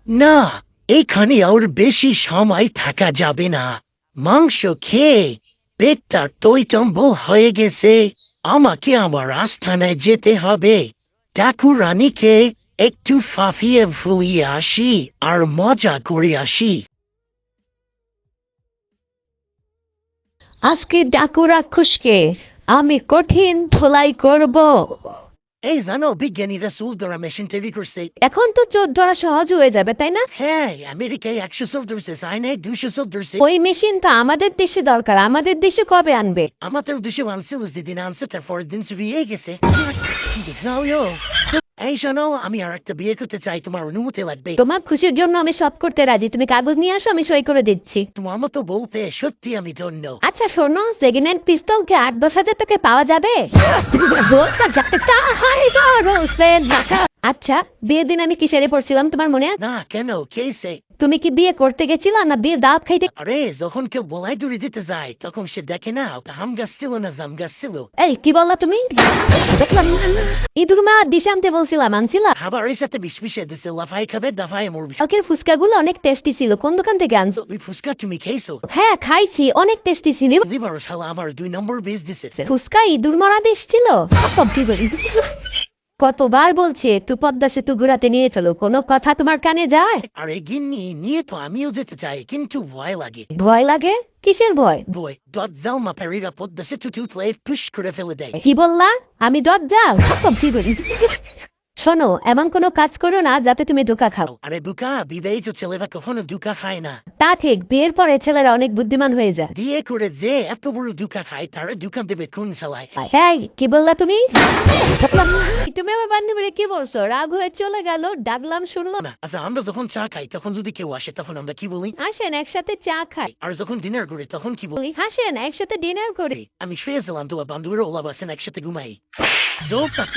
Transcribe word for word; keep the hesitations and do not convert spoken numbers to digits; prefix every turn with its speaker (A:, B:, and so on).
A: না, এখানে আর বেশি সময় থাকা যাবে না। মাংস খেয়ে পেটটা টইটম্বল হয়ে গেছে। আমাকে আমার আস্থানায় যেতে হবে। ঠাকুরানীকে একটু ফাফিয়ে ফুলিয়ে আসি আর মজা করে আসি।
B: আজকে ডাকু রাক্ষসকে আমি কঠিন ধোলাই করব।
A: এই জানো, বিজ্ঞানীরা চুল ধরা মেশিন তৈরি করছে।
B: এখন তো চোর ধরা সহজ হয়ে যাবে, তাই না?
A: হ্যাঁ, আমেরিকায় একশো চোখ ধরছে, চায়নায় দুশো চোখ ধরছে।
B: ওই মেশিনটা আমাদের দেশে দরকার। আমাদের দেশে কবে আনবে?
A: আমাদের দেশে আনছিল, যেদিন আনছে তার পরের দিন চুরিয়ে গেছে। এই শোনো, আমি আর একটা বিয়ে করতে চাই, তোমার অনুমতি লাগবে।
B: তোমার খুশির জন্য আমি সব করতে রাজি। তুমি কাগজ নিয়ে আসো, আমি সই করে দিচ্ছি।
A: তোমার মতো বউ পেয়ে সত্যি আমি ধন্য।
B: আচ্ছা শোনো, সেকেন্ড হ্যান্ড পিস্তলকে আট দশ হাজার টাকা পাওয়া যাবে? আচ্ছা, বিয়ের দিন আমি কিসেরে পড়ছিলাম তোমার মনে আছে?
A: না, কেন, কেসে?
B: তুমি কি বিয়ে করতে গেছিলা না বিয়ের দাওয়াত খাইতে?
A: আরে, যখন কেউ বলাই দূরে দিতে যায় তখন সে দেখে না হাম গাছ ছিল না জাম গাছ ছিল।
B: এই কি বললা তুমি? ইদুমা দিশে আনতে বলছিলাম, আনছিলা?
A: খাবারের সাথে বিষ মিশিয়ে দিছে, লাফাই খাবে দাফায় মরবি।
B: কালকের ফুচকাগুলো অনেক টেস্টি ছিল। কোন দোকান থেকে আনছো?
A: ওই ফুচকা তুমি খেয়েছো?
B: হ্যাঁ খাইছি, অনেক টেস্টি ছিল।
A: লিভার শালা আমার দুই নম্বর বেশ দিছে।
B: ফুচকা ইঁদুর মরা দেশ ছিল। কতবার বলছে একটু পদ্মা সেতু ঘুরাতে নিয়ে চলো, কোনো কথা তোমার কানে যায়?
A: আরে গিন্নি, নিয়ে তো আমিও যেতে চাই, কিন্তু ভয় লাগে।
B: ভয় লাগে? কিসের ভয়?
A: ভয় দত জালমা পেরিরা পদ্মা সেতু টুটলে পুশ করে ফেলে দেয়।
B: কি বললা? আমি দজ্জাল? শোনো, এমন কোনো কাজ করো না যাতে তুমি ধোকা খাও।
A: আরে বুকা, বিবাহিত ছেলেরা কখনো দুকা খায় না।
B: তা ঠিক, বিয়ের পরে ছেলেরা অনেক বুদ্ধিমান হয়ে যায়।
A: দিয়ে করে যে এত বড় দুকা খায়, তারা দুকা দেবে কোন ছেলায়?
B: হ্যাঁ, কি বললা তুমি? তুমি আমার বান্ধবীরে কি বলছো? রাগ হয়ে চলে গেল, ডাকলাম শুনলো না।
A: না, আচ্ছা, আমরা যখন চা খাই তখন যদি কেউ আসে তখন আমরা কি বলি?
B: আসেন একসাথে চা খাই।
A: আর যখন ডিনার করি তখন কি বলি?
B: বলি হাসেন একসাথে ডিনার করি।
A: আমি শুয়েছিলাম, তোমার বান্ধবীরা ওলা বাসেন, একসাথে ঘুমাই। জোক